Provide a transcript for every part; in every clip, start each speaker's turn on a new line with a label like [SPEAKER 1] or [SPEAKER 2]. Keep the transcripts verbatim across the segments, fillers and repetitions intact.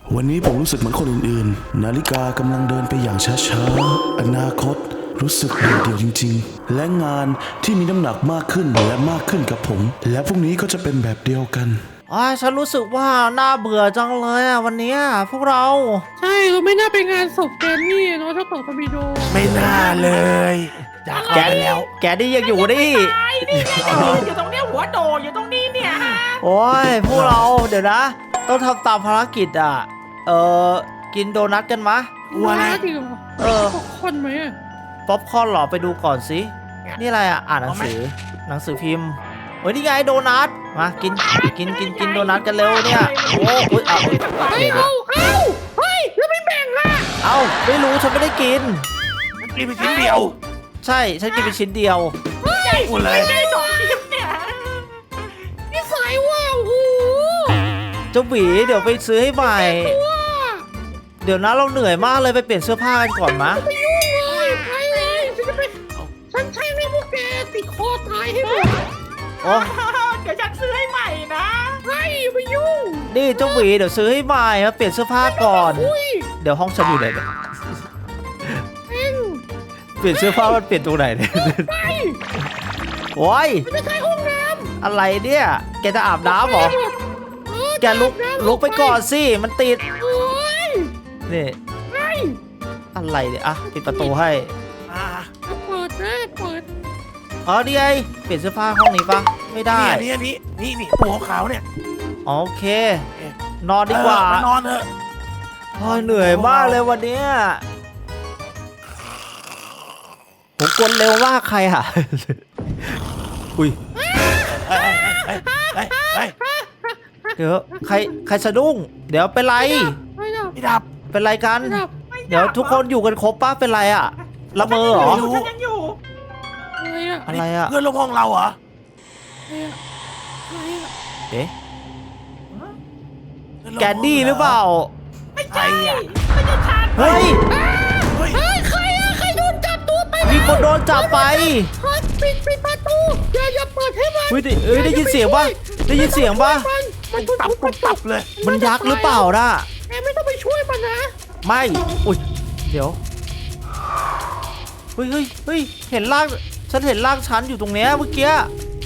[SPEAKER 1] วันนี้ผมรู้สึกเหมือนคนอื่นๆนาฬิกากำลังเดินไปอย่างช้าๆอนาคตรู้สึกเดี่ยวๆจริงๆและงานที่มีน้ำหนักมากขึ้นและมากขึ้นกับผมและพรุ่งนี้ก็จะเป็นแบบเดียวกัน
[SPEAKER 2] อ้ายฉันรู้สึกว่าน่าเบื่อจังเลยอ่ะวันนี้พวกเรา
[SPEAKER 3] ใช่เราไม่น่าไปงานศพแกนี่เนาะเจ้าต่อตอร์ปิโด
[SPEAKER 4] ไม่น่าเลยจากแกแล้ว
[SPEAKER 2] แกนี่ยังอยู่ดิ
[SPEAKER 5] ไอ้นี่อยู่ตรงเนี้ยหัวโดอยู่ตรงนี้เนี่ยฮะ
[SPEAKER 2] โอ้ยพวกเราเดี๋ยวนะต้องทำตามภารกิจอ่ะเออกินโดนัทกันมะ
[SPEAKER 3] ว่าอะไรจริงเหรอ
[SPEAKER 2] เออ
[SPEAKER 3] ป๊อปคอร์นไหมอะ
[SPEAKER 2] ป๊อปคอร์นหรอไปดูก่อนสินี่อะไรอ่ะอ่านหนังสือหนังสือพิมพ์เฮ้ยนี่ไงโดนัทมากินกินกินกินโดนัทกันเร็วเนี่ยโอ้ยเอา
[SPEAKER 3] เฮ้ยเอาเอาเฮ้ยแล้วไม่แบ่งอ่ะ
[SPEAKER 2] เอาไม่รู้ฉันไม่ได้กิน
[SPEAKER 4] มันกินไปชิ้นเดียว
[SPEAKER 2] ใช่ฉันกินไปชิ้นเดียว
[SPEAKER 3] เฮ้ย
[SPEAKER 4] พูดเลย
[SPEAKER 5] ไม่ได้สองทีมเนี่ย
[SPEAKER 3] นิสัยว่าโอ้โห
[SPEAKER 2] เจ้าหวีเดี๋ยวไปซื้อให้ใหม่เดี๋ยวนะเราเหนื่อยมากเลยไปเปลี่ยนเสื้อผ้ากันก่อนมะ
[SPEAKER 3] ไปยุ่งเลยไปเลยฉันจะไปฉันใช่ให้พวกแกติดคอตายให้หมด
[SPEAKER 2] โอ้
[SPEAKER 5] เดี๋ยวฉันซื้อให้ใหม่นะ
[SPEAKER 3] ไปไปยุ่ง
[SPEAKER 2] นี่เจ้าหวีเดี๋ยวซื้อให้ใหม่มาเปลี่ยนเสื้อผ้าก่อนเดี๋ยวห้องฉันอยู่ไหนเนี่ยเปลี่ยนเสื้อผ้ามันเปลี่ยนตรงไหนเนี่ยโอ้ย
[SPEAKER 3] ไม่ใช่ห้องน้
[SPEAKER 2] ำอะไรเนี่ยแกจะอาบน้ำเหรอแกลุกลุกไปก่อนสิมันติดนี่อะไรเนี่ยอ่ะปิดประตูให้
[SPEAKER 4] อ่า
[SPEAKER 3] เปิดนะเปิด
[SPEAKER 2] อ๋อนี่ไงเปลี่ยนเสื้อผ้าห้องนี้ปะไม่ได้
[SPEAKER 4] นี่นี่นี่นี่ตัวขาวเนี่ย
[SPEAKER 2] โอเค นอนดีกว่าน
[SPEAKER 4] อนเถอะ
[SPEAKER 2] โอ้ยเหนื่อยมากเลยวันนี้ผมกดเร็วมากใครอ่ะอุ้ยเดี๋ยวใครใครสะดุ้งเดี๋ยวเป็นไร
[SPEAKER 4] ไม่ดับ
[SPEAKER 2] เป็นไรกันเดี๋ยวทุกคนอยู่กันครบป้าเป็นไรอ่ะละเมอเหรอ
[SPEAKER 5] ฉันยังอยู่
[SPEAKER 2] อะไรอ่ะ
[SPEAKER 4] เพื่อนร่วมห้องเราเหรอ
[SPEAKER 2] เอ๊ะแกนดี้หรือเปล่า
[SPEAKER 5] ไม่ใช่ไม่ใช่ฉัน
[SPEAKER 2] เฮ้ย
[SPEAKER 3] เฮ้ยใครอะใครโดนจับตัวไป
[SPEAKER 2] มีคนโดนจับไป
[SPEAKER 3] ปิดปิดประตูอย่าอย่าเปิดให้มัน
[SPEAKER 2] เฮ้ยเอ้ยได้ยินเสียงป่ะได้ยินเสียงป่ะ
[SPEAKER 4] มันตับตับตับเลย
[SPEAKER 2] มันยักษ์หรือเปล่าล่ะ
[SPEAKER 3] แกไม่ต้องไปช่วยมันนะ
[SPEAKER 2] ไม่อุ้ยเดี๋ยวเฮ้ยเฮ้ยเฮ้ยเห็นร่างฉันเห็นร่างฉันอยู่ตรงเนี้ยเมื่อกี้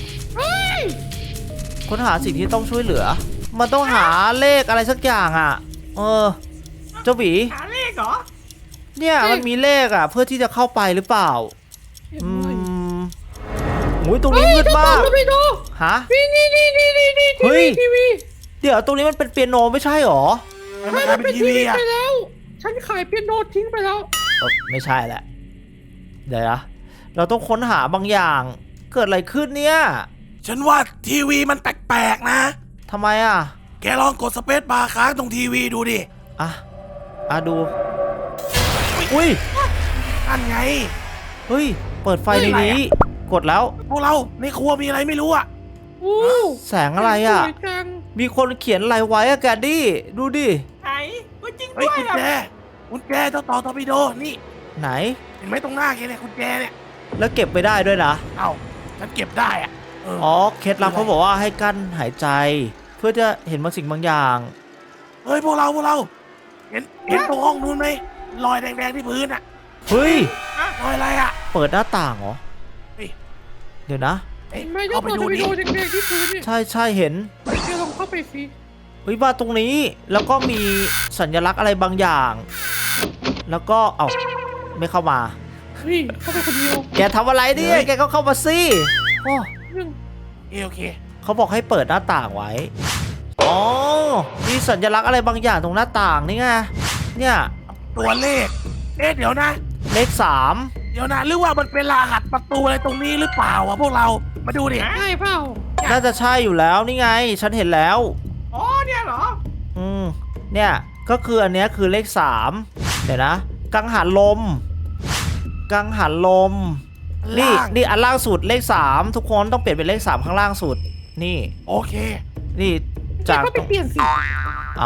[SPEAKER 2] ค้นหาสิ่งที่ต้องช่วยเหลือมันต้องหาเลขอะไรสักอย่างอ่ะเออเจ้าหวี
[SPEAKER 5] หาเลขเหรอ
[SPEAKER 2] เนี่ยมันมีเลขอ่ะเพื่อที่จะเข้าไปหรือเปล่าอืมโอ้ยตรงนี้มืดมากฮะ
[SPEAKER 3] นี่นี่นี่นี่นี่นี่
[SPEAKER 2] เฮ้ยเดี๋ยวตรงนี้มันเป็นเปียโนไม่ใช่หรอ
[SPEAKER 4] มันเป็นทีวีไป
[SPEAKER 3] แล้วฉันขายเปียโนทิ้งไปแล้ว
[SPEAKER 2] ไม่ใช่แหละเดี๋ยวนะเราต้องค้นหาบางอย่างเกิดอะไรขึ้นเนี่ย
[SPEAKER 4] ฉันว่าทีวีมันแปลกๆนะ
[SPEAKER 2] ทำไมอ่ะ
[SPEAKER 4] แกลองกดสเปซบาร์ค้างตรงทีวีดูดิ
[SPEAKER 2] อ่ะอ่ะดูอุ้ย
[SPEAKER 4] นั่นไง
[SPEAKER 2] เฮ้ยเปิดไฟในนี้กดแล้ว
[SPEAKER 4] พวกเราในครัวมีอะไรไม่รู้อ่ะ
[SPEAKER 2] แสงอะไรอ่ะมีคนเขียนอะไรไว้อะแกดี้ดูดิ
[SPEAKER 5] ไหนจริงด้วย
[SPEAKER 4] กุญแจกุญแจเจ้าต่อตอร์ปิโดนี่
[SPEAKER 2] ไหน
[SPEAKER 4] เห็นไหมตรงหน้าแกเนี่ยกุญแจเนี่ย
[SPEAKER 2] แล้วเก็บไปได้ด้วยนะ
[SPEAKER 4] เอ้าฉันเก็บได้อ่ะ
[SPEAKER 2] อ๋อเคล็ดลับเขาบอกว่าให้กั้นหายใจเพื่อจะเห็นบางสิ่งบางอย่าง
[SPEAKER 4] เฮ้ยพวกเราพวกเราเห็นเห็นตรงห้องนู้นไหมรอยแดงๆที่พื้นอ่ะ
[SPEAKER 2] เฮ้ย
[SPEAKER 4] รอยอะไรอ่ะ
[SPEAKER 2] เปิดหน้าต่างเหรอเดี๋ยวนะ
[SPEAKER 3] เข้าไปดูดิ
[SPEAKER 2] ใช่ใช่เห็น
[SPEAKER 3] แกลองเข้าไปสิ
[SPEAKER 2] เฮ้ยมาตรงนี้แล้วก็มีสัญลักษณ์อะไรบางอย่าง แล้วก็เอ้าไม่เข้ามา
[SPEAKER 3] เฮ้ยเข้าไปคนเดียว
[SPEAKER 2] แกทำอะไรเนี่ยแกก็เข้ามาสิโอ้
[SPEAKER 4] โอเค
[SPEAKER 2] เขาบอกให้เปิดหน้าต่างไว้อ๋อมีสัญลักษณ์อะไรบางอย่างตรงหน้าต่างนี่ไงเนี่ย
[SPEAKER 4] ตัวเลขเอ๊ะเดี๋ยวนะ
[SPEAKER 2] เลขสาม
[SPEAKER 4] เดี๋ยวนะหรือว่ามันเป็นรหัสประตูอะไรตรงนี้หรือเปล่าวะพวกเรามาดูดิ
[SPEAKER 3] ใช่เปล่า
[SPEAKER 2] น่าจะใช่อยู่แล้วนี่ไงฉันเห็นแล้ว
[SPEAKER 5] อ๋อเนี่ยเหรอ
[SPEAKER 2] อืมเนี่ยก็คืออันเนี้ยคือเลขสามเดี๋ยวนะกังหันลมกังหันลมนี่นี่อันล่างสุดเลขสามทุกคนต้องเปลี่ยนเป็นเลขสามข้างล่างสุดนี่
[SPEAKER 4] โอเค
[SPEAKER 2] นี่จาก
[SPEAKER 3] ก็ไปเปลี่ยนสิ
[SPEAKER 2] เอา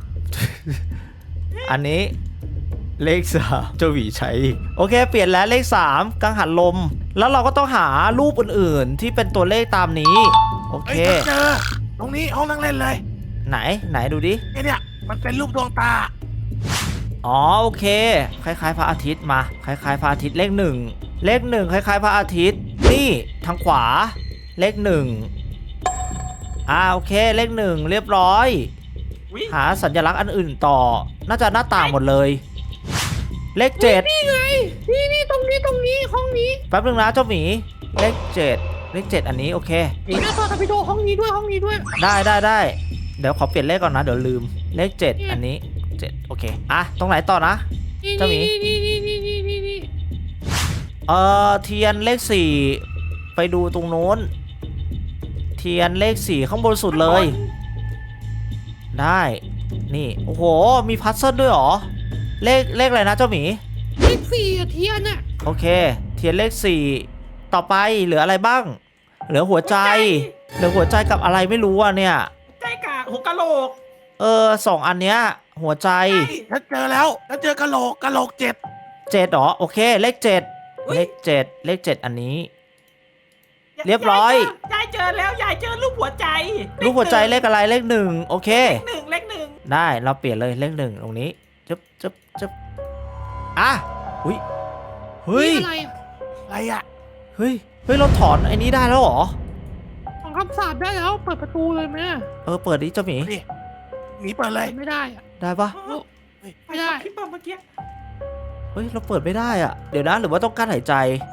[SPEAKER 2] อันนี้เลขสามเจ้าหวีใช้โอเคเปลี่ยนแล้วเลขสามกังหันลมแล้วเราก็ต้องหารูปอื่นๆที่เป็นตัวเลขตามนี้โอเค
[SPEAKER 4] เจอตรงนี้ห้องนั่งเล่นเลย
[SPEAKER 2] ไหนไหนดูดิ
[SPEAKER 4] เนี่ยมันเป็นรูปดวงตา
[SPEAKER 2] อ๋อโอเค คล้ายๆพระอาทิตย์มาคล้ายๆพระอาทิตย์เลขหนึ่งเลขหนึ่งคล้ายๆพระอาทิตย์นี่ทางขวาเลขหนึ่งอ่าโอเคเลขหนึ่งเรียบร้อย
[SPEAKER 5] วิ
[SPEAKER 2] หาสัญลักษณ์อันอื่นต่อ น่าจะหน้าต่างหมดเลย เลขเจ็ด
[SPEAKER 3] นี่ไงนี่นี่ตรงนี้ตรงนี้ห้องนี้
[SPEAKER 2] แป๊บนึงนะเจ้าหมีเลขเจ็ดเลขเจ็ดอันนี้โอเค
[SPEAKER 3] นี่หน้าต่อกับไปดูห้องนี้ด้วยห้องนี้ด้วย
[SPEAKER 2] ได้ได้ได้เดี๋ยวขอเปลี่ยนเลขก่อนนะเดี๋ยวลืมเลขเจ็ด
[SPEAKER 3] เนี่ย
[SPEAKER 2] อันนี้เจ็ดโอเคอ่ะตรงไหนต่อนะ
[SPEAKER 3] นี่
[SPEAKER 2] เจ้าหมี
[SPEAKER 3] นี่นี่นี่นี่นี่นี่
[SPEAKER 2] เอ่อเทียนเลขสี่ไปดูตรงโน้น เทียนเลขสี่ข้างบนสุดเลย ได้นี่โอ้โหมีพัซเซิลด้วยเหรอเลขเลขอะไรนะเจ้าหมี
[SPEAKER 3] เลขสี่อะเทียนอะ
[SPEAKER 2] โอเค เทียนเลขสี่ต่อไปเหลืออะไรบ้าง เหลือหัวใจ เหลือหัวใจกับอะไรไม่รู้อ่ะเนี่ย
[SPEAKER 5] ใจกะหัวกะโหลก
[SPEAKER 2] เออสองอันเนี้ยหัวใจ
[SPEAKER 4] ฉันเจอแล้วฉันเจอกะโหลกกะโหลกเจ็ด
[SPEAKER 2] เจ็ดเหรอโอเคเลขเจ็ด
[SPEAKER 5] อุ๊ย
[SPEAKER 2] เลขเจ็ดเลขเจ็ดอันนี้ เรียบร้อย
[SPEAKER 5] ยายเจอแล้วยายเจอรูปหัวใจ
[SPEAKER 2] รูปหัวใจเลขอะไรเลขหนึ่งโอเค
[SPEAKER 5] หนึ่งเลขหนึ่ง
[SPEAKER 2] ได้เราเปลี่ยนเลยเลขหนึ่งตรงนี้จึ๊บจึ๊บจึ๊บอ่ะหุยเฮ้ย
[SPEAKER 3] นี่อะไรอะ
[SPEAKER 4] อะไรอ่ะ
[SPEAKER 2] เฮ้ยเฮ้ยเราถอนไอ้นี้ได้แล้วเหรอ
[SPEAKER 3] ของคำสาปได้แล้วเปิดประตูเลยไหมอะ
[SPEAKER 2] เออเปิดดิเจ้าหมี
[SPEAKER 4] นี่หมีเปิดเลย
[SPEAKER 3] เปิดไม่ได้อะ
[SPEAKER 2] ได้ปะ
[SPEAKER 3] ไม่ได้
[SPEAKER 5] คลิปเมื่อกี้
[SPEAKER 2] เฮ้ยเราเปิดไม่ได้อ่ะเดี๋ยวนะหรือว่าต้องกั้นหายใจ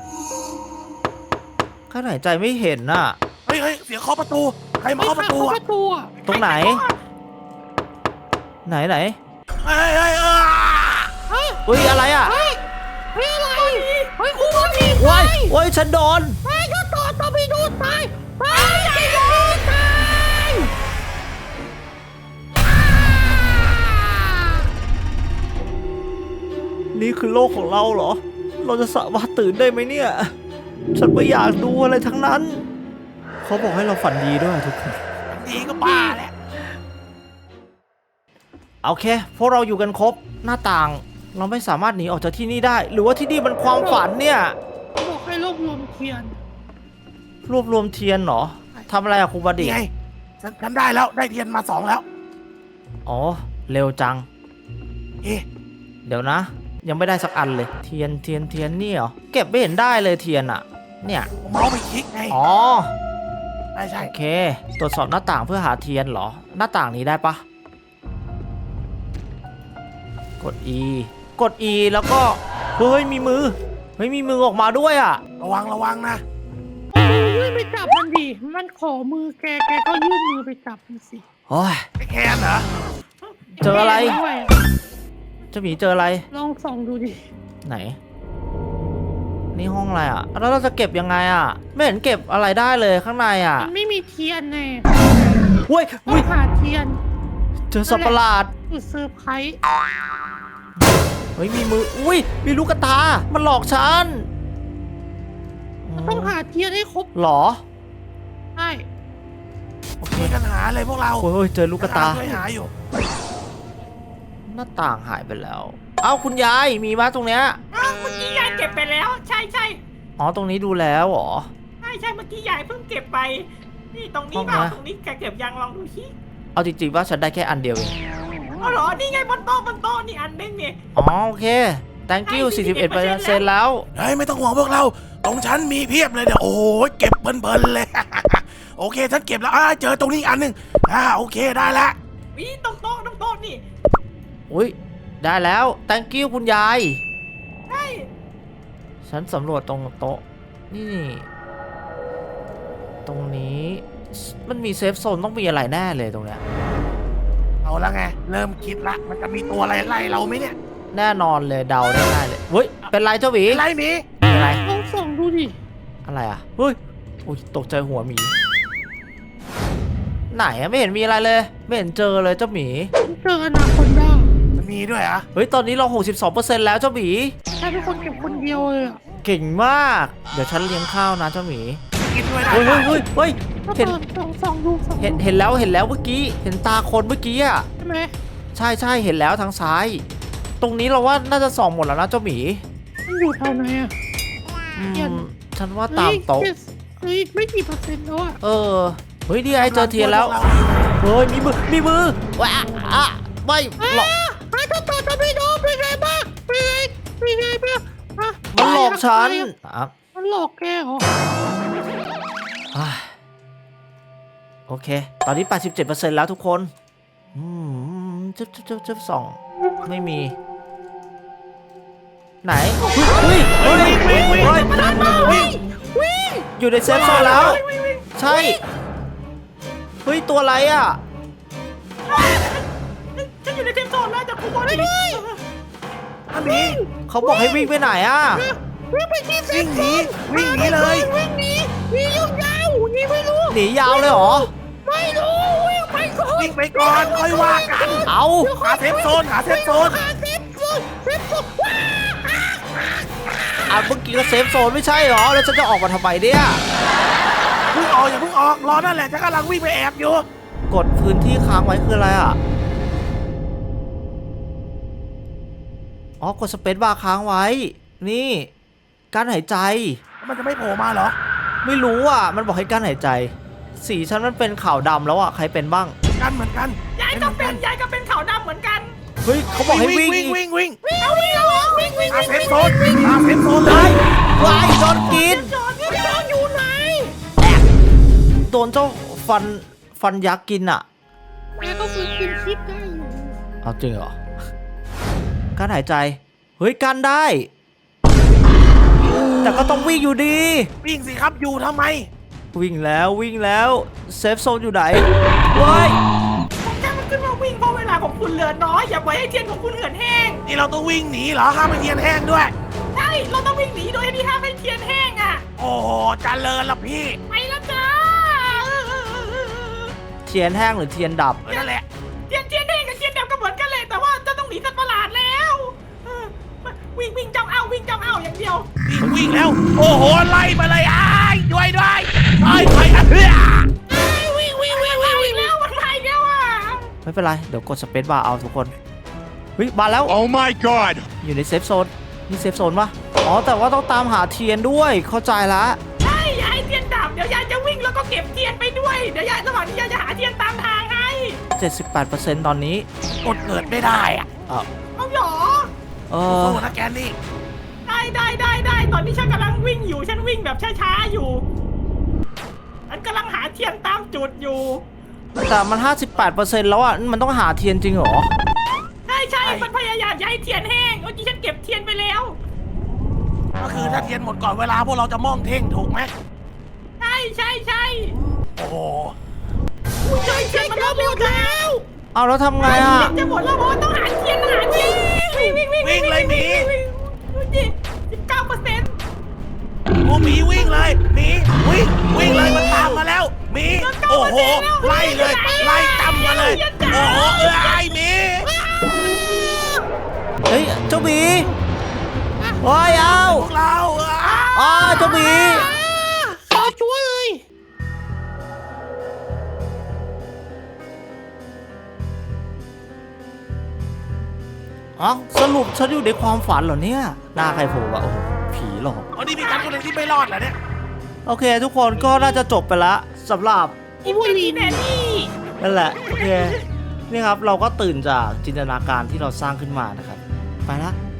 [SPEAKER 2] กั้นหายใจไม่เห็นน่ะ
[SPEAKER 4] เฮ้ยเฮ้ยเสียงเคาะประตูใครมา
[SPEAKER 3] ไม่
[SPEAKER 4] เคาะประตู
[SPEAKER 3] เข้า
[SPEAKER 4] อ่ะ
[SPEAKER 3] ประตูอะ
[SPEAKER 2] ตรงไหน ไหนไหน
[SPEAKER 4] เฮ้ยเฮ้ยเออ
[SPEAKER 2] เฮ้ยอะไรอ่ะ
[SPEAKER 3] เฮ้ยเฮ้ยอะไรเฮ้ยคุณผู้หญิง
[SPEAKER 2] ว้ายว้ายฉันโดน
[SPEAKER 3] ไปก็ต่อต่อไปดูตายไปไปดูตาย
[SPEAKER 2] นี่คือโลกของเราเหรอ เราจะสามารถตื่นได้ไหมเนี่ย ฉันไม่อยากดูอะไรทั้งนั้น เขาบอกให้เราฝันดีด้วยทุกคน
[SPEAKER 4] ดีก็บ้าแล้ว
[SPEAKER 2] โอเค พวกเราอยู่กันครบ หน้าต่าง เราไม่สามารถหนีออกจากที่นี่ได้ หรือว่าที่นี่มันความฝันเนี่ย
[SPEAKER 3] บอกให้รวบรวมเทียน
[SPEAKER 2] รวบรวมเทียนเหรอทำอะไรอะครูบดี
[SPEAKER 4] นี่ไงฉันฉันได้แล้วได้เทียนมาสองแล้ว
[SPEAKER 2] อ๋อ เร็วจัง
[SPEAKER 4] เอ๊ะ
[SPEAKER 2] เดี๋ยวนะ ยังไม่ได้สักอันเลย เทียนเทียนเทียนนี่เหรอ เก็บไม่เห็นได้เลยเทียนอะเนี่ย
[SPEAKER 4] เมาส์ไปคลิกไง
[SPEAKER 2] อ๋อ
[SPEAKER 4] ใช่ใช่
[SPEAKER 2] โอเค ตรวจสอบหน้าต่างเพื่อหาเทียนเหรอ หน้าต่างนี้ได้ปะกด E กด E แล้วก็ เฮ้ย มีมือ เฮ้ย มีมือออกมาด้วยอ่ะ
[SPEAKER 4] ระวังระวังนะ
[SPEAKER 3] ยื่นไปจับมันดิ มันขอมือแก แกก็ยื่นมือไปจับมันสิ
[SPEAKER 2] โอ้ย
[SPEAKER 4] ไอ้แคนเหรอ
[SPEAKER 2] เจออะไร
[SPEAKER 3] ด้วย
[SPEAKER 2] เจ้าหมีเจออะไร
[SPEAKER 3] ลองส่องดูดิ
[SPEAKER 2] ไหน นี่ห้องอะไรอ่ะ แล้วเราจะเก็บยังไงอ่ะ ไม่เห็นเก็บอะไรได้เลยข้างในอ่ะ
[SPEAKER 3] มันไม่มีเทียนแน่
[SPEAKER 2] เว้ย
[SPEAKER 3] ต้อ
[SPEAKER 2] เว้ย
[SPEAKER 3] งหาเทียน
[SPEAKER 2] เจอสัตว์ประหลาด
[SPEAKER 3] จุดเซอร์ไพรส์
[SPEAKER 2] เฮ้ย มีมือ อุ้ย มีลูกกระตา มันหลอกฉัน
[SPEAKER 3] ต้องหาเทียนให้ครบ
[SPEAKER 2] หรอ
[SPEAKER 3] ใช่
[SPEAKER 2] โอเค
[SPEAKER 4] ช่วยกันหาเลยพวกเรา
[SPEAKER 2] โอ้ยเจอลูกกระตา
[SPEAKER 4] ช่วยหาอยู่
[SPEAKER 2] หน้าต่างหายไปแล้ว เอ้าคุณยาย มีมาตรงเนี้ย
[SPEAKER 5] อ้าวเมื่อกี้ยายเก็บไปแล้ว ใช่ใช่
[SPEAKER 2] อ๋อ ตรงนี้ดูแล้วเหรอ
[SPEAKER 5] ใช่ใช่เมื่อกี้ยายเพิ่งเก็บไป นี่ตรงนี้
[SPEAKER 2] ห้อง
[SPEAKER 5] เปล่า
[SPEAKER 2] นะ
[SPEAKER 5] ตรงนี้แกเก็บยังลองดูที่
[SPEAKER 2] เอาจริงๆว่าฉันได้แค่อันเดียวเอง
[SPEAKER 5] อ๋อเหรอนี่ไงบนโต๊ะบนโต๊ะนี่อันนึงเนี่ย
[SPEAKER 2] อ๋อโอเค thank you
[SPEAKER 5] ได้
[SPEAKER 2] สี่สิบเอ็ดเปอร์เซ็นต์แล้ว
[SPEAKER 4] เฮ้ยไม่ต้องห่วงพวกเรา ตรงฉันมีเพียบเลยเดี๋ยวโอ้โหเก็บเพลินๆเลย โอเคฉันเก็บแล้วอ่าเจอตรงนี้อีกอันหนึ่งอ่าโอเคได้ละ
[SPEAKER 5] วิตรงโต๊ะตรงโต๊ะนี่
[SPEAKER 2] อุ้ย ได้แล้ว thank you คุณยาย
[SPEAKER 5] ใช่
[SPEAKER 2] ฉันสำรวจตรงโต๊ะ นี่ ตรงนี้ มันมีเซฟโซนต้องมีอะไรแน่เลยตรงเนี้ย
[SPEAKER 4] เอาละไงเริ่มคิดละมันจะมีตัวอะไรไล่เราไหมเนี่ย
[SPEAKER 2] แน่นอนเลยเดาได้ง่ายเลยเฮ้ย เป็นไรเจ้าหวี
[SPEAKER 4] ไล่หมี
[SPEAKER 2] เป็นไร
[SPEAKER 3] ลองส่องดูดิ
[SPEAKER 2] อะไรอ่ะ เฮ้ยอุ้ยตกใจหัวหมี ไหนอะไม่เห็นมีอะไรเลย ไม่เห็นเจอเลยเจ้าหมี
[SPEAKER 3] ฉันเจออนาคอนด้า
[SPEAKER 4] มันมีด้วยเหรอ่ะ
[SPEAKER 2] เฮ้ย ตอนนี้เรา หกสิบสองเปอร์เซ็นต์ แล้วเจ้าหมี
[SPEAKER 3] ใช่เป็นคนเก็บคนเดียวเลยอะ
[SPEAKER 2] เก่งมาก เดี๋ยวฉันเลี้ยงข้าวนะเจ้าหมี
[SPEAKER 4] กินด้วยได้
[SPEAKER 2] เฮ้ยเฮ้ยเฮ้ยเฮ้ย
[SPEAKER 3] ก็
[SPEAKER 2] เห็น
[SPEAKER 3] เปิดส่องส่องดูส่องดู
[SPEAKER 2] เห็นเห็นแล้วเห็นแล้วเมื่อกี้ เห็นตาคนเมื่อกี้อ่ะ
[SPEAKER 3] ใช่ไหม
[SPEAKER 2] ใช่ใช่เห็นแล้วทางซ้าย ตรงนี้เราว่าน่าจะส่องหมดแล้วนะเจ้าหมี
[SPEAKER 3] มันอยู่แถวไหนอะ
[SPEAKER 2] อื
[SPEAKER 3] เห็น
[SPEAKER 2] มฉันว่าตามโต๊ะ
[SPEAKER 3] เฮ้ยเฮ้ยไม่กี่เปอร์เซ็นต์แล้วอะ
[SPEAKER 2] เออ เฮ้ยนี่ไงเจอเทียนแล้ว เฮ้ยมีมือ มีมือว้าอ่ะไม่หลอก
[SPEAKER 3] ไอ้เจ้าต่อจะไม่โดนเป็นไงบ้างเป็นไงเป็นไงบ้างฮะ
[SPEAKER 2] มันหลอกฉันอ่ะ
[SPEAKER 3] มันหลอกแกเหรอ
[SPEAKER 2] อ่ะโอเค ตอนนี้ แปดสิบเจ็ดเปอร์เซ็นต์ แล้วทุกคน อืมจึ๊บจึ๊บจึ๊บจึ๊บสองไม่มี ไหนเฮ้ยเฮ้ยเฮ้ยเฮ้ย
[SPEAKER 3] วิ่งวิ่ง
[SPEAKER 2] อยู่ในเซฟโซนแล้ว ใช่ เฮ้ย ตัวอะไรอ่ะ
[SPEAKER 5] ฉันอยู่ในเทมโซนแล้วจากคุณบอลนี่
[SPEAKER 4] อันนี้
[SPEAKER 2] เขาบอกให้วิ่งไปไหนอ่ะ
[SPEAKER 3] วิ่งไปที่เซ็
[SPEAKER 4] วิ่
[SPEAKER 3] น
[SPEAKER 4] งห
[SPEAKER 3] ท
[SPEAKER 4] นี
[SPEAKER 3] รัล
[SPEAKER 4] วิ่งหนีเลย
[SPEAKER 3] วิ่งหนีหนียาวๆหนีไม่รู้
[SPEAKER 2] หนียาวเลยเหรอ
[SPEAKER 3] ไม่รู้วิ่งไปก่อน
[SPEAKER 4] วิ่งไปก่อนค่อยว่ากัน
[SPEAKER 2] เอา
[SPEAKER 4] หาเซฟโซนหาเซฟโซน
[SPEAKER 3] หาเซฟโซนเซฟโซนว้า
[SPEAKER 2] อ่ะเมื่อกี้ก็เซฟโซนไม่ใช่เหรอ แล้วฉันจะออกมาทำไมเนี่ย
[SPEAKER 4] เพิ่งออกอย่าเพิ่งออกรอนั่นแหละฉันกำลังวิ่งไปแอบอยู่
[SPEAKER 2] กดพื้นที่ค้างไว้คืออะไรอ่ะ อ๋อ กดสเปซบาร์ค้างไว้ นี่การหายใจ
[SPEAKER 4] มันจะไม่โผล่มาเหรอ
[SPEAKER 2] ไม่รู้อ่ะ มันบอกให้การหายใจ สีฉันมันเป็นขาวดำแล้วอ่ะ ใครเป็นบ้าง
[SPEAKER 4] กันเหมือนกัน
[SPEAKER 5] ยายก็เป็นยายก็เป็นขาวดำเหมือนกัน
[SPEAKER 2] เฮ้ย เขาบอกให้วิ่ง
[SPEAKER 4] วิ่ง
[SPEAKER 2] อีก
[SPEAKER 4] วิ่งวิ่ง
[SPEAKER 5] เอาวิ่งเอาวิ่งวิ่ง
[SPEAKER 4] หาเซฟโซนหาเซฟโซนเลย
[SPEAKER 2] วายโดนกิน
[SPEAKER 5] จอดนี่จอดอยู่ไหน
[SPEAKER 2] โดนเจ้าฟันฟันยักษ์กินอ่ะ
[SPEAKER 3] แกก็ฝึกกินชิปได้อยู่
[SPEAKER 2] เอาจริงเหรอ การหายใจ เฮ้ยกันได้ แต่ก็ต้องวิ่งอยู่ดี
[SPEAKER 4] วิ่งสิครับอยู่ทำไม
[SPEAKER 2] วิ่งแล้ววิ่งแล้วเซฟโซนอยู่ไหนเว้ย
[SPEAKER 5] แกมันขึ้นมาวิ่งเพราะเวลาของคุณเหลือน้อยอย่าปล่อยให้เทียนของคุณเหือดแห้ง
[SPEAKER 4] นี่เราต้องวิ่งหนีเหรอห้ามไปเทียนแห้งด้วย
[SPEAKER 5] ใช่เราต้องวิ่งหนีโดยที่ห้ามให้เทียนแห้งอ่ะ
[SPEAKER 4] โอ้โหเจริญละพี่
[SPEAKER 5] ไปแล้วจ้า
[SPEAKER 2] เทียนแห้งหรือเทียนดับ
[SPEAKER 4] เออนั่นแหละ
[SPEAKER 5] เทียนเทียนแห้งกับเทียนดำก็เหมือนกันเลยแต่ว่าจะต้องหนีสัตว์ประหลาดแล้วเออวิ่งวิ่งจ้องเอาวิ่งจ้องเอาอย่างเดียว
[SPEAKER 4] วิ่งวิ่งแล้ว โอ้โหไล่มาเลยอ้ายด้วยด้วยไอ้ไอ้อะเพื่อ
[SPEAKER 5] วิ่งวิ่งวิ่งวิ่งวิ่งแล้วมันมาอีกแล้วอ่ะ
[SPEAKER 2] ไม่เป็นไร เดี๋ยวกดสเปซบาร์เอาทุกคนเฮ้ยมาแล้ว
[SPEAKER 6] Oh my god!
[SPEAKER 2] อยู่ในเซฟโซนนี่เซฟโซนปะอ๋อ แต่ว่าต้องตามหาเทียนด้วยเข้าใจละ
[SPEAKER 5] ใช่ยายเทียนดับเดี๋ยวยายจะวิ่งแล้วก็เก็บเทียนไปด้วยเดี๋ยวยายระหว่างที่ยายจะหาเทียนตามทางให้
[SPEAKER 2] เจ็ดสิบแปดเปอร์เซ็นต์ ตอนนี้
[SPEAKER 4] กดเกิดไม่ได้อะ
[SPEAKER 2] อ่ะ
[SPEAKER 5] เอาหรอ
[SPEAKER 2] เออ
[SPEAKER 4] สู้นะแกนี่
[SPEAKER 5] ได้ได้ได้ได้ตอนนี้ฉันกำลังวิ่งอยู่ฉันวิ่งแบบช้าๆอยู่ฉันกำลังหาเทียนตามจุดอยู่
[SPEAKER 2] แต่มัน ห้าสิบแปดเปอร์เซ็นต์ แล้วอ่ะ มันต้องหาเทียนจริงเหรอ
[SPEAKER 5] ใช่ใช่มันพยายามย้ายเทียนแห้งเมื่อกี้ฉันเก็บเทียนไปแล้ว
[SPEAKER 4] ก็คือถ้าเทียนหมดก่อนเวลาพวกเราจะมองเท่งถูกไหม
[SPEAKER 5] ใช่ใช่ใช่
[SPEAKER 4] โอ้โห
[SPEAKER 5] อุ้ยเจอเทียนมันแล้วหมดแล้ว
[SPEAKER 2] เอาแล้วทำไงอ่ะ
[SPEAKER 5] จะหมดแล้วเพราะว่าต้องหาเทียนหาเทียนวิ่งวิ่งวิ่ง
[SPEAKER 4] วิ่งเลยหมี
[SPEAKER 5] สิบเก้าเปอร์เซ็นต์
[SPEAKER 4] โอ้หมีวิ่งเลยหมีวิ่งวิ่งเลยมันตามมาแล้วหมีโอ้โหไล่เลยไล่จำมาเลยโอ้โหเอ้ยหมี
[SPEAKER 2] เฮ้ย เจ้าหมีโอ้ยเอา
[SPEAKER 4] พวกเราอ่ะ
[SPEAKER 2] อ๋อเจ้าหมี
[SPEAKER 3] ขอช่วยเลย
[SPEAKER 2] อ๋อสรุปฉันอยู่ในความฝันเหรอเนี่ยหน้าใครโผล่วะโอ้โหผีหลอก
[SPEAKER 4] อ๋อนี่มีการคนหนึ่งที่ไม่รอดเหรอเนี่ย
[SPEAKER 2] โอเค ทุกคนก็น่าจะจบไปละสำหรับ
[SPEAKER 5] อีบุรีแมนนี่
[SPEAKER 2] นั่นแหละ โอเค นี่ครับ เราก็ตื่นจากจินตนาการที่เราสร้างขึ้นมานะครับ ไปละ